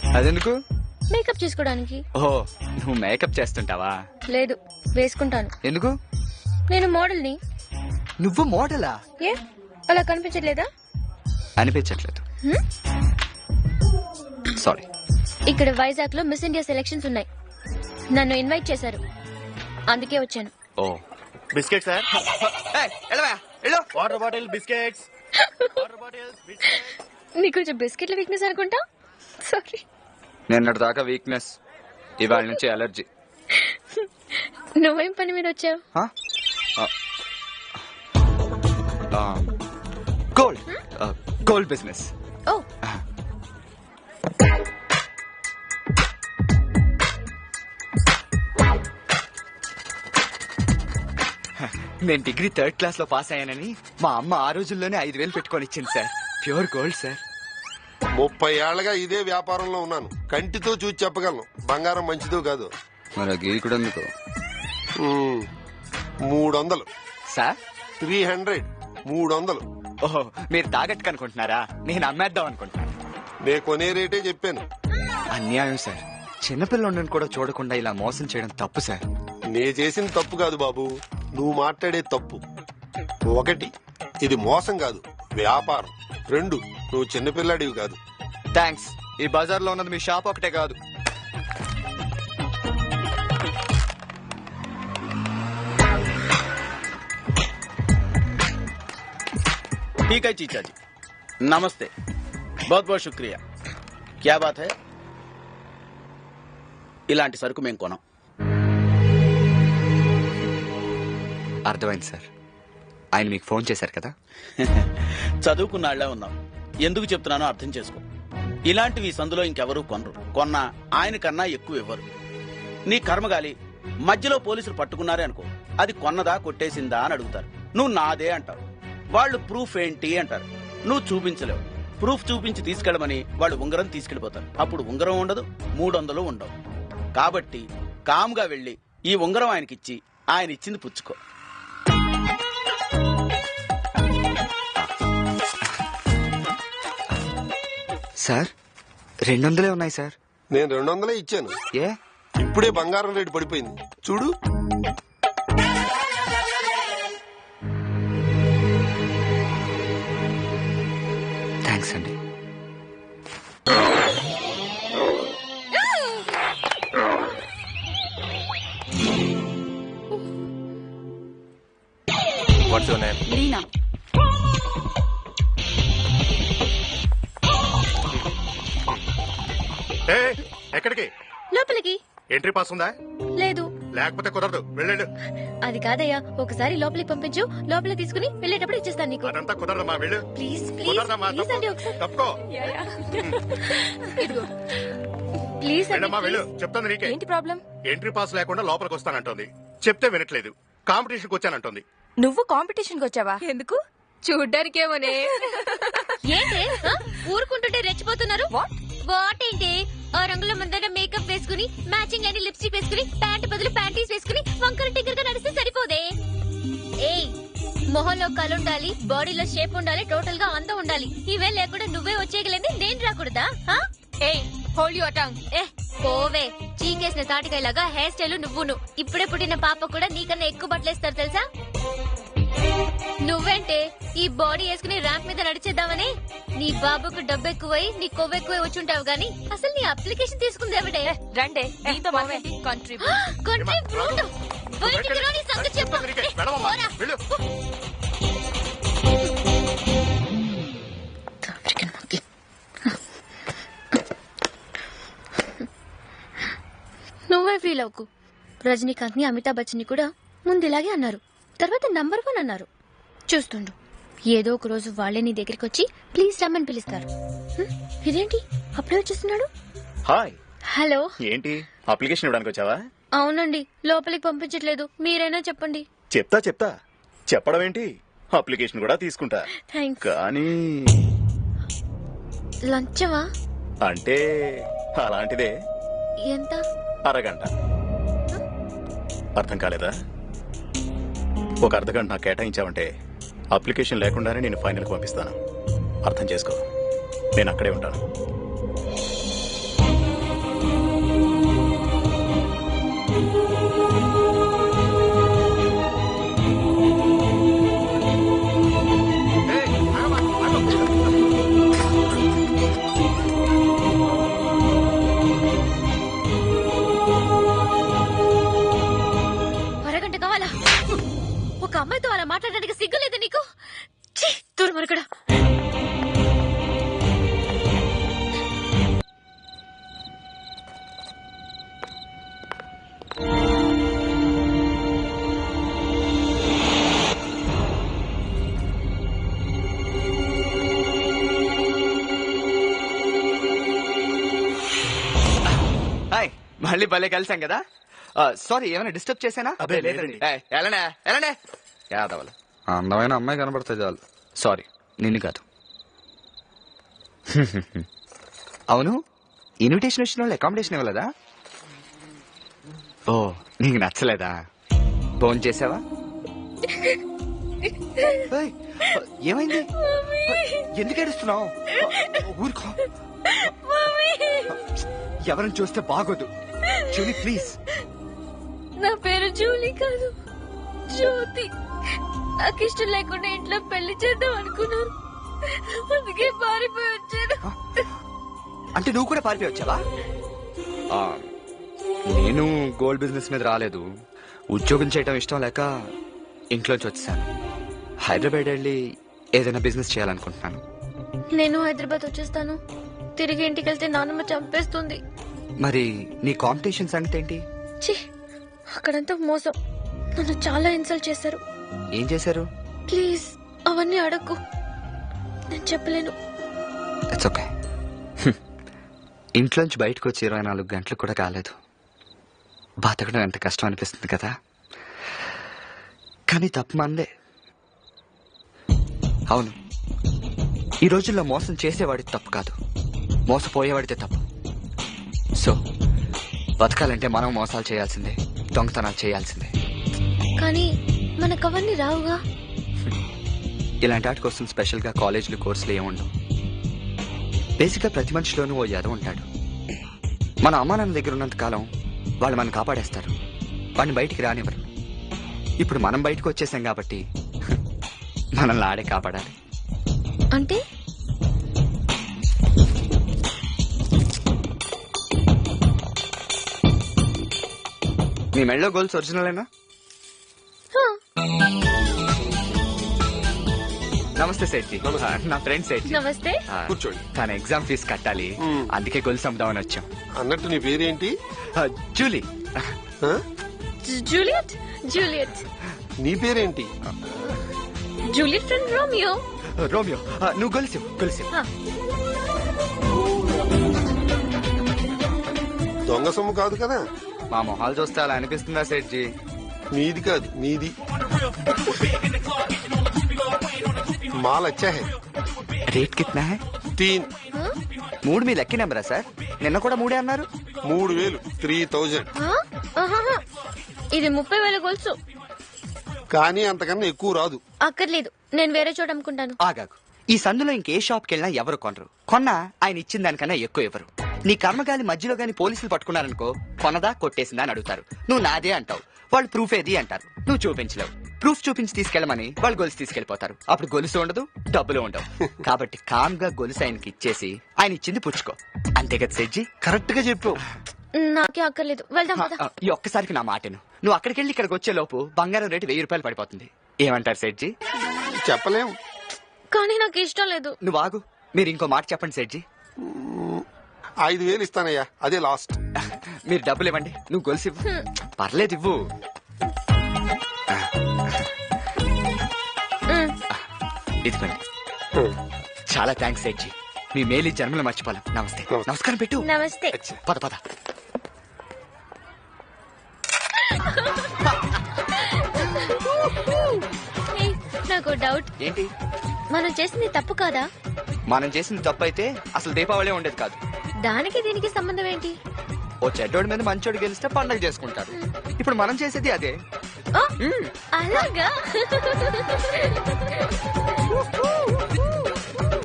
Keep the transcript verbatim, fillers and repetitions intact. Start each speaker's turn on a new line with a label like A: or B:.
A: అదెందుకు?
B: మేకప్ చేసుకోవడానికి.
A: ఓ, నువ్వు మేకప్ చేస్తుంటావా?
B: లేదు, వేసుకుంటాను.
A: ఎందుకు?
B: నేను మోడల్ ని.
A: నువ్వు మోడలా?
B: ఏ అలా కనిపించట్లేదా?
A: అనిపించట్లేదు. సారీ.
B: ఇక్కడ వైజాగ్ లో మిస్ ఇండియా సెలక్షన్స్ ఉన్నాయి. నన్ను ఇన్వైట్ చేశారు, అందుకే వచ్చాను.
A: ఓ,
C: biscuit sir. Water bottle biscuits.
B: నీకు కొంచెం బిస్కెట్ల వీక్నెస్ అనుకుంటా. సారీ.
A: నిన్నటి దాకా వీక్నెస్, ఇవాళ నుంచి అలర్జీ.
B: నువ్వేం పని మీద వచ్చావు?
A: Gold gold business.
B: ఓ,
A: నేను డిగ్రీ థర్డ్ క్లాస్ లో పాస్ అయ్యానని మా అమ్మ ఆ రోజుల్లోనే ఐదు వేలు పెట్టుకొని ఇచ్చింది సార్. Pure gold sir.
D: ముప్పై ఏళ్లగా ఇదే వ్యాపారంలో ఉన్నాను. కంటితో చూసి చెప్పగలను బంగారం మంచిదో కాదు.
A: మరి గీకుడు ఎందుకు?
D: మూడు వందలు
A: సార్.
D: త్రీ హండ్రెడ్ మూడు వందలు.
A: ఓహో, మీరు తాగట్టుకు అనుకుంటున్నారా? నేను అమ్మేద్దాం అనుకుంటున్నాను.
D: నే కొనే రేటే చెప్పాను.
A: అన్యాయం సార్. చిన్నపిల్లని కూడా చూడకుండా ఇలా మోసం చేయడం తప్పు సార్.
D: నే చేసిన తప్పు కాదు బాబు, నువ్వు మాట్లాడే తప్పు. ఒకటి, ఇది మోసం కాదు, వ్యాపారం. రెండు, నువ్వు చిన్నపిల్లాడివి కాదు.
A: థ్యాంక్స్. ఈ బజార్ లో ఉన్నది మీ షాప్ ఒకటే కాదు.
C: ठीक है चीचा जी, नमस्ते, बहुत बहुत शुक्रिया. क्या बात है? ఇలాంటి సరుకు మేము కొనం.
A: అర్థమైంది సార్. ఆయన మీకు ఫోన్ చేశారు కదా?
C: చదువుకున్నాళ్లే ఉన్నాం. ఎందుకు చెప్తున్నానో అర్థం చేసుకో. ఇలాంటివి సందులో ఇంకెవరూ కొనరు. కొన్నా ఆయన కన్నా ఎక్కువ ఇవ్వరు. నీ కర్మగాలి మధ్యలో పోలీసులు పట్టుకున్నారే అనుకో, అది కొన్నదా కొట్టేసిందా అని అడుగుతారు. నువ్వు నాదే అంటావు. వాళ్ళు ప్రూఫ్ ఏంటి అంటారు. నువ్వు చూపించలేవు. ప్రూఫ్ చూపించి తీసుకెళ్ళమని వాళ్ళు ఉంగరం తీసుకెళ్లిపోతారు. అప్పుడు ఉంగరం ఉండదు, మూడు వందలు ఉండవు. కాబట్టి కామ్గా వెళ్లి ఈ ఉంగరం ఆయనకిచ్చి ఆయన ఇచ్చింది పుచ్చుకో.
A: సార్, రెండు వందలే ఉన్నాయి సార్.
D: నేను రెండు వందలే ఇచ్చాను.
A: ఏ?
D: ఇప్పుడే బంగారం రేటు పడిపోయింది చూడు.
A: థ్యాంక్స్ అండి.
E: What's your name?
F: లీనా.
E: ఎక్కడికి?
B: లోపలికి.
E: ఎంట్రీ పాస్ ఉందా?
B: లేదు.
E: లేకపోతే కుదరదు, వెళ్ళండి.
B: అది కాదయ్యా, ఒకసారి లోపలికి పంపించు, లోపలికి తీసుకుని వెళ్ళేటప్పుడు ఇచ్చేస్తాను నీకు.
E: అదంతా కుదరదమ్మా, వెళ్ళు.
B: ప్లీజ్ ప్లీజ్
E: కుదరదమ్మా,
B: ప్లీజ్ అండి, ఒకసారి
E: తప్పుకో.
B: ఇదిగో. ప్లీజ్ అండి,
E: వెళ్ళమ్మా, వెళ్ళు.
B: ప్లీజ్.
E: చెప్తాను నీకే.
F: ఏంటి ప్రాబ్లం?
E: ఎంట్రీ పాస్ లేకుండా లోపలికి వస్తానంటోంది. చెప్తే వినట్లేదు. కాంపిటీషన్కి వచ్చానంటోంది.
F: నువ్వు కాంపిటీషన్ కి వచ్చావా? ఎందుకు? చూడ్డానికేమోనే.
B: ఏంటి ఆ? ఊరుకుంటుంటే రెచ్చిపోతున్నారు. వాట్ ఏంటి? ఆ రంగుల ముందర మేకప్ వేసుకుని, మ్యాచింగ్ అని లిప్స్టిక్ వేసుకుని, ప్యాంట్ బదులు ప్యాంటీస్ వేసుకుని వంకర టింకర్ గా నడిస్తే సరిపోదే. ఏయ్, మొహంలో కలుండాలి, బాడీలో షేప్ ఉండాలి, టోటల్ గా అందం ఉండాలి. ఇవే లేకుండా నువ్వే వచ్చేయగలేంది, నేను రాకూడదా?
F: ఏయ్, హోల్డ్ యువర్ టంగ్.
B: ఏ పోవే, చీకేసిన తాటికాయలాగా హెయిర్ స్టైల్ నువ్వును. ఇప్పుడే పుట్టిన పాప కూడా నీకన్నా ఎక్కువ బట్టలేస్తారు తెలుసా? నువ్వేంటే ఈ బాడీ వేసుకుని ర్యాంప్ మీద నడిచేద్దామని? నీ బాబుకు డబ్బు ఎక్కువై నీ కొవ్వు ఎక్కువై వచ్చుంటావు గానీ అసలు నీ అప్లికేషన్ తీసుకుంది ఎవడే?
F: రండే నీతో కంట్రీ
B: కంట్రీ ఫ్రూట్. బయటికి రా, నీ సంగతి చెప్పు. ఏ,
E: వెళ్ళవమ్మా,
B: పోరా.
E: వెళ్ళు.
B: నువ్వే ఫీల్ అవ్వకు. రజనీకాంత్ ని, అమితాబ్ బచ్చన్ ని కూడా ముందు ఇలాగే అన్నారు, తర్వాత నంబర్ వన్ అన్నారు. చూస్తుండు, ఏదో ఒక రోజు వాళ్లే నీ దగ్గరికి వచ్చి ప్లీజ్ రమ్మని పిలుస్తారు. హ్మ్, ఇదేంటి అప్పుడే వచ్చేస్తున్నాడు?
G: హాయ్.
B: హలో.
G: ఏంటి అప్లికేషన్ ఇవ్వడానికి వచ్చావా?
B: అవునండి, లోపలికి పంపించట్లేదు, మీరైనా చెప్పండి.
G: చెప్తా చెప్తా. చెప్పడం ఏంటి, అప్లికేషన్ కూడా తీసుకుంటా.
B: థ్యాంక్స్.
G: కానీ
B: లంచమా?
G: అంటే అలాంటిదే.
B: ఎంత?
G: అరగంట. అర్థం కాలేదా? ఒక అర్ధగంట నాకు కేటాయించావంటే అప్లికేషన్ లేకుండానే నేను ఫైనల్కి పంపిస్తాను. అర్థం చేసుకో, నేను అక్కడే ఉంటాను.
A: మళ్ళీ భలే కలిసాం కదా సారీ ఏమైనా డిస్టర్బ్ చేశానా
G: అబ్బే, లేదండి.
A: ఏయ్, ఎలానే ఎలానే యాదవలు
H: అందమైన అమ్మాయి కనపడితే చాలు.
A: సారీ నిన్ను కాదు. అవును ఇన్విటేషన్ వచ్చిన వాళ్ళు అకామిడేషన్ ఇవ్వలేదా? ఓ నీకు నచ్చలేదా? ఫోన్ చేసావా? ఏయ్, ఏమైంది? ఎందుకు ఏడుస్తున్నావు? ఊరుకో. ఎవరిని చూస్తే బాగోదు. Julie please.
B: నా పేరు జూలీ కాదు, జ్యోతి. నాకు ఇష్టం లేకుండా ఇంట్లో పెళ్లి చేద్దాం అనుకున్నాను, అందుకే పారిపోయి వచ్చాను.
A: అంటే నువ్వు కూడా పారిపోయి వచ్చావా? ఆ, నేను గోల్డ్ బిజినెస్ మీద రాలేదు. ఉద్యోగం చేయడం ఇష్టం లేక ఇంట్లోంచి వచ్చేసాను. హైదరాబాద్ వెళ్ళి ఏదైనా బిజినెస్ చేయాలనుకుంటున్నాను.
B: నేను హైదరాబాద్ వచ్చేస్తాను. తిరిగి ఇంటికి వెళ్తే నాన్నమ్మ చంపేస్తుంది.
A: మరి నీ కాంపిటీషన్ సంగతి ఏంటి?
B: ఛీ, అక్కడంతా మోసం. నన్ను చాలా ఇన్సల్ట్ చేశారు.
A: ఏం చేశారు?
B: ప్లీజ్ అవన్నీ అడగకు, నేను చెప్పలేను.
A: It's okay. ఇంట్లోంచి బయటకు వచ్చి ఇరవై నాలుగు గంటలు కూడా కాలేదు. బతకడం ఎంత కష్టం అనిపిస్తుంది కదా, కానీ తప్పు మందే. అవును, ఈ రోజుల్లో మోసం చేసేవాడిది తప్పు కాదు, మోసపోయేవాడితే తప్పు. సో బతకాలంటే మనం మోసాలు చేయాల్సిందే, దొంగతనాలు చేయాల్సిందే.
B: కానీ మనకు అవన్నీ రావుగా.
A: ఇలాంటి వాటి కోసం స్పెషల్ గా కాలేజీలు కోర్సులు ఏముండవు. బేసిక్ గా ప్రతి మనిషిలోనూ ఓ యాదవ్ ఉంటాడు. మన అమ్మా నాన్న దగ్గర ఉన్నంత కాలం వాళ్ళు మనం కాపాడేస్తారు, వాడిని బయటికి రానివ్వరు. ఇప్పుడు మనం బయటకు వచ్చేసాం కాబట్టి మనల్ని ఆడే కాపాడాలి.
B: అంటే
A: మీ మెళ్ళో గోల్స్ ఒరిజినలేనా? నమస్తే సేట్జీ. నా ఫ్రెండ్ సేట్జీ.
B: నమస్తే.
D: కూర్చోండి.
A: తన ఎగ్జామ్ ఫీజు కట్టాలి,
D: మ్మ్.
A: అందుకే గొలుసు అమ్ముదామని వచ్చాం.
D: అన్నట్టు నీ పేరేంటి?
A: ఆ, జూలీ.
D: ఆ?
B: జూలియట్. జూలియట్.
D: నీ పేరేంటి?
B: Juliet friend Romeo.
A: రోమియో, ఆ, నువ్వు గొలుసు గొలుసు.
B: ఆ.
D: దొంగ సొమ్ము కాదు కదా?
A: మా మొహాలు చూస్తే అలా అనిపిస్తుందా సేట్జీ?
D: నీది కాదు, నీది. మాల్ అచ్చా హై.
A: రేట్ కిतना है?
D: తీన్.
A: మూడు మీ లక్కీ నెంబరా సార్? నిన్న కూడా మూడే అన్నారు.
D: మూడు వేలు త్రీ థౌజండ్.
B: ఆ? ఆహాహా. ఇది ముప్పై వేల గొలుసు.
D: కానీ అంతకన్నా ఎక్కువ రాదు.
B: అక్కర్లేదు, నేను వేరే చోట అమ్ముకుంటాను.
A: ఆగాగు. ఈ సందులో ఇంకే షాప్కి వెళ్ళినా ఎవరు కొనరు. కొన్నా ఆయన ఇచ్చిన దానికన్నా ఎక్కువ ఇవ్వరు. నీ కర్మగాలి మధ్యలో గాని పోలీసులు పట్టుకున్నారనుకో, కొనదా కొట్టేసిందా అని అడుగుతారు. నువ్వు నాదే అంటావు, వాళ్ళు ప్రూఫ్ ఏది అంటారు. నువ్వు చూపించలేవు. ప్రూఫ్ చూపించి తీసుకెళ్ళమని వాళ్ళు గొలుసు తీసుకెళ్లిపోతారు. అప్పుడు గొలుసు ఉండదు, డబ్బులు ఉండవు. కాబట్టి కామ్ గా గొలుసు ఆయనకి ఇచ్చేసి ఆయన ఇచ్చింది పుచ్చుకో. అంతే కదా సెడ్జీ?
D: కరెక్ట్ గా చెప్పావు.
B: నాకే అక్కర్లేదు, వెళ్దాం పద.
A: ఆ, ఈ ఒక్కసారికి నా మాటను. నువ్వు అక్కడికి వెళ్ళి ఇక్కడికి వచ్చే లోపు బంగారం రేటు వెయ్యి రూపాయలు పడిపోతుంది. ఏమంటారు సెడ్జీ?
D: చెప్పలేం.
B: కానీ నాకు ఇష్టం లేదు.
A: నువ్వు ఆగు, మీరు ఇంకో మాట చెప్పండి సెడ్జీ.
D: ఐదు వేలు ఇస్తానయ్యా, అదే లాస్ట్.
A: మీరు డబ్బులు ఇవ్వండి, నువ్వు గొలుసు ఇవ్వు. పర్లేదు ఇవ్వు.
B: మ్.
A: ఇదిగోండి. చాలా థ్యాంక్స్ సెడ్జీ, మీ మేలు జన్మలు మర్చిపోలేం. నమస్తే.
D: నమస్తే.
A: నమస్కారం పెట్టు.
B: నమస్తే.
A: పద పద.
B: ఏయ్, నాకు డౌట్.
A: ఏంటి?
B: మనం చేసింది తప్పు కాదా?
A: మనం చేసిన తప్పు అయితే అసలు దీపావళి ఉండేది కాదు.
B: దానికి దీనికి సంబంధం ఏంటి?
A: ఓ చెడ్డోడి మీద మంచోడు గెలిస్తే పండగ చేసుకుంటారు. ఇప్పుడు మనం చేసేది అదే.
B: ఆ, అలాగా